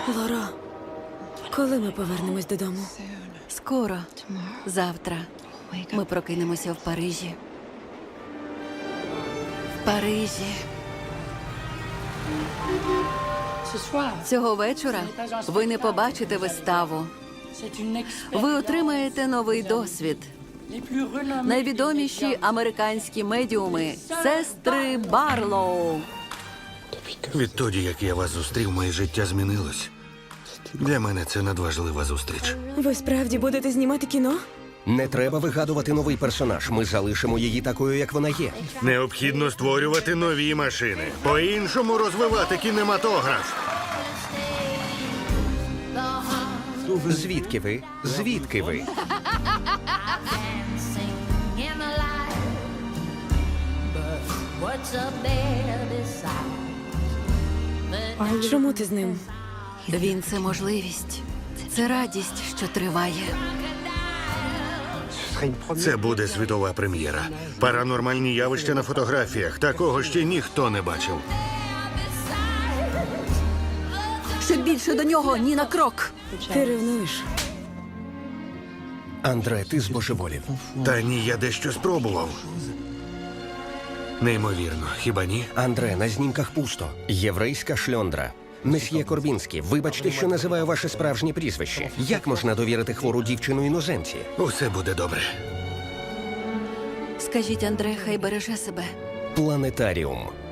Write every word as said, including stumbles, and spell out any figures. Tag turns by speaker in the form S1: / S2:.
S1: Лоро, коли ми повернемось додому?
S2: Скоро. Завтра. Ми прокинемося в Парижі. В Парижі. Цього вечора ви не побачите виставу. Ви отримаєте новий досвід. Найвідоміші американські медіуми – сестри Барлоу.
S3: Відтоді, як я вас зустрів, моє життя змінилось. Для мене це надважлива зустріч.
S1: Ви справді будете знімати кіно?
S4: Не треба вигадувати новий персонаж. Ми залишимо її такою, як вона є.
S3: Необхідно створювати нові машини. По-іншому розвивати кінематограф.
S4: Звідки ви? Звідки ви?
S1: Чому ти з ним?
S2: Він – це можливість. Це радість, що триває.
S3: Це буде світова прем'єра. Паранормальні явища на фотографіях. Такого ще ніхто не бачив.
S2: Щоб більше до нього ні на крок.
S1: Ти ревнуєш?
S4: Андре, ти збожеволів.
S3: Та ні, я дещо спробував. Неймовірно, хіба ні?
S4: Андре, на знімках пусто. Єврейська шльондра. Месьє Корбінський, вибачте, що називаю ваше справжнє прізвище. Як можна довірити хвору дівчину іноземці?
S3: Усе буде добре.
S2: Скажіть, Андре, хай береже себе.
S4: Планетаріум.